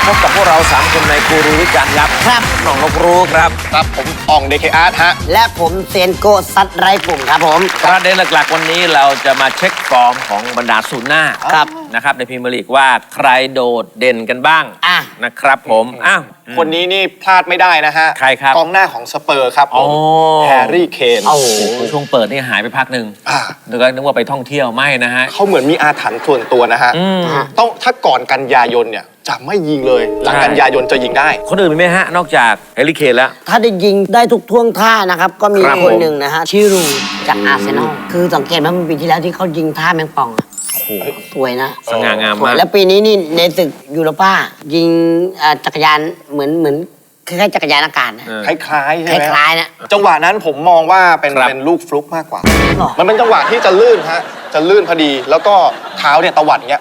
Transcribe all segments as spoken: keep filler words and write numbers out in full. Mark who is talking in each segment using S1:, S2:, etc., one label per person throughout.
S1: พบกับพวกเราสามคนในกูรูวิจารณ์ยับครับน้องนกรู้ครับ
S2: ครับผมอ่องเดคอาร์ตฮะ
S3: และผมเซนโกซัดไรปุ่มครับผม
S1: ประเด็นหลักๆวันนี้เราจะมาเช็คฟอร์มของบรรดาศูนย์หน้าครับนะครับในพรีเมียร์ลีกว่าใครโดดเด่นกันบ้าง
S3: อ่ะ
S1: นะครับผมอ้าว
S2: คนนี้นี่พลาดไม่ได้นะฮะ
S1: ใครครับ
S2: กองหน้าของสเปอร์ครับผมแฮร์รี่เคน
S1: โอ้โหช่วงเปิดนี่หายไปพักหนึ่งนึกว่านึกว่าไปท่องเที่ยวไม่นะฮะ
S2: เขาเหมือนมีอาถรรพ์ส่วนตัวนะฮะต้องถ้าก่อนกันยายนเนี่ยจะไม่ยิงเลยหลังกันยายนจะยิงได้
S1: คนอื่นมีไหมฮะนอกจากแฮร์รี่เคนแล้ว
S3: ถ้าได้ยิงได้ทุกท่วงท่านะครับก็มีคนหนึ่งนะฮะชิรูจากอาร์เซนอลคือสังเกตว่ามันปีที่แล้วที่เขายิงท่าแมงป่องสวยนะ
S1: สง่างามมาก
S3: แล้วปีนี้นี่ในศึกยูโรป้ายิงจักรยานเหมือนเหมือนคล้ายๆจักรยานอากาศนะ
S2: คล้ายๆใช่ไหม
S3: คล้ายๆนะ
S2: จังหวะนั้นผมมองว่าเป็นเป็นลูกฟลุกมากกว่ามันเป็นจังหวะที่จะลื่นฮะจะลื่นพอดีแล้วก็เท้าเนี่ยตวัดอย่างเงี้ย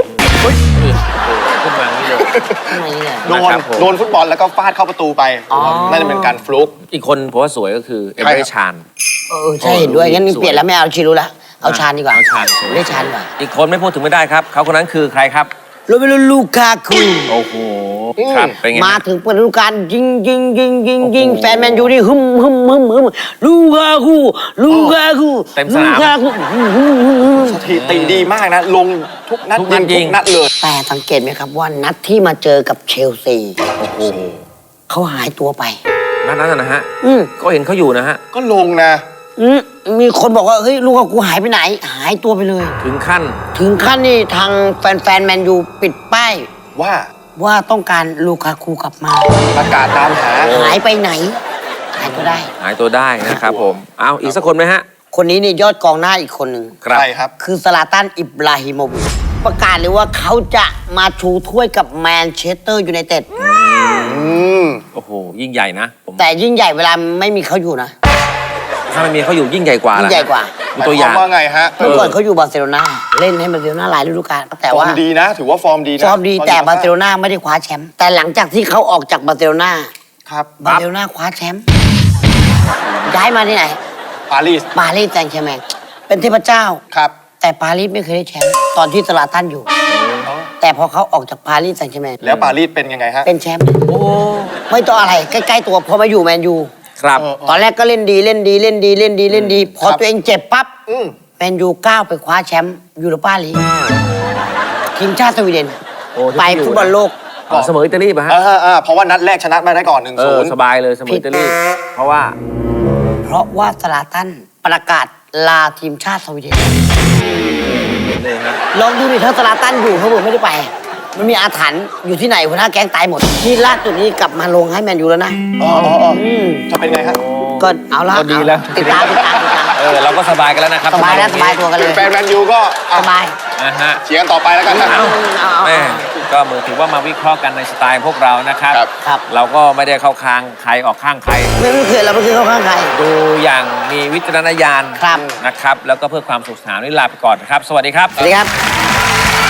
S1: ขึ้นมานี่เลย
S2: โดนโดนฟุตบอลแล้วก็ฟาดเข้าประตูไปน่าจะเป็นการฟลุก
S1: อีกคนผมว่าสวยก็คือเอเมริชาน
S3: เออใช่เห็นด้วยงั้นเปลี่ยนแล้วไม่เอาชิรูละเอาชานดีกว่า
S1: เอาชาน
S3: ไม่ชานดีกว่า
S1: อีกคนไม่พูดถึงไม่ได้ครับเขาคนนั้นคือใครครับ
S3: โรเมโลลูกาคู
S1: โอ้โหครับเป็นไง
S3: มาถึงเปิดฤดูกาลยิงยิงยิงยิงยิงแฟนแมนยูนี่ฮึมฮึมฮึมฮึมลูกาคูลูกาคู
S1: เต็มสนาม
S2: สถิติดีมากนะลงทุกนัดยิงทุกนัดเลย
S3: แต่สังเกตไหมครับว่านัดที่มาเจอกับเชลซี
S1: โอ้โห
S3: เขาหายตัวไป
S1: นัดนั้นนะฮะก็เห็นเขาอยู่นะฮะ
S2: ก็ลงนะ
S3: มีคนบอกว่าเฮ้ยลูกาคูหายไปไหนหายตัวไปเลย
S1: ถึงขั้น
S3: ถึงขั้นนี่ทางแฟนๆแมนยูปิดป้าย
S2: ว่า
S3: ว่าต้องการลูกาคูกลับมา
S2: ประกาศตามหา
S3: หายไปไหนหายตัวได้
S1: หายตัวได้นะครับผมเอาอีกสักคนไหมฮะ
S3: คนนี้นี่ยอดกองหน้าอีกคนหนึ่ง
S2: ใครครับ
S3: คือซาลาตันอิบราฮิโมวิชประกาศเลยว่าเขาจะมาชูถ้วยกับแมนเชสเตอร์ยูไนเต็ด
S1: โอ้โหยิ่งใหญ่นะ
S3: แต่ยิ่งใหญ่เวลาไม่มีเขาอยู่นะ
S1: ถ้าไม่มีเขาอยู่ยิ่งใหญ่กว่า
S3: ยิ่งใหญ่กว่า
S2: ตัวอย่างว่าไงฮะ
S3: เมื่อก่อนเขาอยู่บาร์เซโลนาเล่นให้บาร์เซโลนาหลายฤดูกาลแต่ว่า
S2: ฟอร์มดีนะถือว่าฟอร์มดีนะ
S3: ฟอร์มดีแต่บาร์เซโลนาไม่ได้คว้าแชมป์แต่หลังจากที่เขาออกจากบาร์เซโลนา
S2: ครับ
S3: บาร์เซโลนาคว้าแชมป์ย้ายมาที่ไหน
S2: ปารีส
S3: ปารีสแซงต์แชร์แมงเป็นเทพเจ้า
S2: ครับ
S3: แต่ปารีสไม่เคยได้แชมป์ตอนที่ซาลาตันอยู่แต่พอเขาออกจากปารีสแซงต์แชร์แมง
S2: แล้วปารีสเป็นยังไงฮะ
S3: เป็นแชมป์โอ้ไม่ต้องอะไรใกล้ๆตัวพอมาอยู่แมนยู
S1: ครับ
S3: ตอนแรกก็เล่นดีเล่นดีเล่นดีเล่นดีเล่นดีพอตัวเองเจ็บปั๊บแมนยูก้าวไปคว้าแชมป์ยูโรปาลีกทีมชาติสวีเดนไปฟุตบอลโลก
S1: เสมออิตาลีป่ะฮะ
S2: เพราะว่านัดแรกชนะมาได้ก่อนหนึ่งศูนย์
S1: สบายเลยเสมออิตาลีเพราะว่า
S3: เพราะว่าซาลาตันประกาศลาทีมชาติสวีเดนลองดูดิถ้าซาลาตันอยู่เขาบอกไม่ได้ไปมันมีอาถรรพ์อยู่ที่ไหนหัวหน้าแก๊งตายหมดที่ล่าสุดนี้กลับมาลงให้แมนยูแล้วนะ
S2: อ๋อจะเป็นไงฮะ
S3: ก็เอาละ
S1: ดีแล้ว
S3: ติดตามติดตาม
S1: เออเราก็สบายกันแล้วนะครับ
S3: สบายแล้วสบายตัวกันเลย
S2: แฟนแมนยูก็
S3: สบาย
S1: นะฮะ
S2: เชียร์กันต่อไปแล้วกันนะ
S1: แม่ก็มือถือว่ามาวิเคราะห์กันในสไตล์พวกเรานะครับ
S3: ครับ
S1: เราก็ไม่ได้เข้าข้างใครออกข้างใคร
S3: ไม่เคยเราไม่เคยเข้าข้างใคร
S1: ดูอย่างมีวิจารณญาณนะครับแล้วก็เพื่อความสุขสนานนี่ลาไปก่อนนะครับสวัสดีครับ
S3: สวัสดีครับ